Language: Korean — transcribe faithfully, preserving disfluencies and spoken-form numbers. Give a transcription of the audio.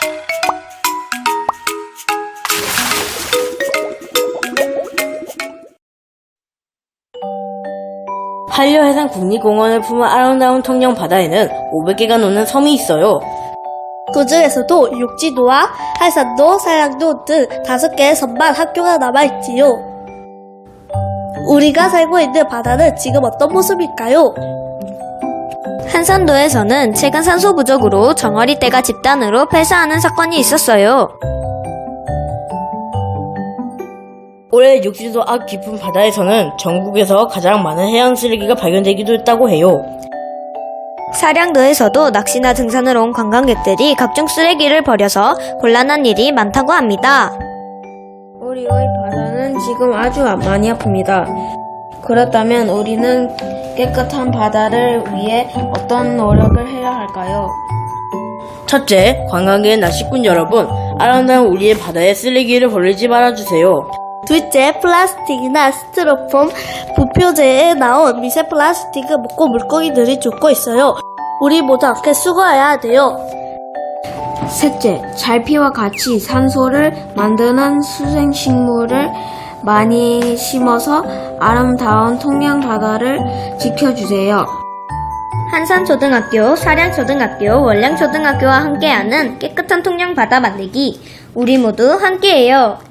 한려해상 국립공원을 품은 아름다운 통영 바다에는 오백 개가 넘는 섬이 있어요. 그 중에서도 육지도와 한산도, 산량도 등 다섯 개의 섬만 학교가 남아있지요. 우리가 살고 있는 바다는 지금 어떤 모습일까요? 한산도에서는 최근 산소 부족으로 정어리떼가 집단으로 폐사하는 사건이 있었어요. 올해 육지도 앞 깊은 바다에서는 전국에서 가장 많은 해양 쓰레기가 발견되기도 했다고 해요. 사량도에서도 낚시나 등산을 온 관광객들이 각종 쓰레기를 버려서 곤란한 일이 많다고 합니다. 우리의 바다는 지금 아주 많이 아픕니다. 그렇다면 우리는 깨끗한 바다를 위해 어떤 노력을 해야 할까요? 첫째, 관광객 낚시꾼 여러분, 아름다운 우리의 바다에 쓰레기를 버리지 말아주세요. 둘째, 플라스틱이나 스티로폼, 부표제에 나온 미세 플라스틱을 먹고 물고기들이 죽고 있어요. 우리 모두 함께 수거해야 돼요. 셋째, 잘피와 같이 산소를 만드는 수생식물을 많이 심어서 아름다운 통영 바다를 지켜주세요. 한산초등학교, 사량초등학교, 월량초등학교와 함께하는 깨끗한 통영 바다 만들기. 우리 모두 함께해요.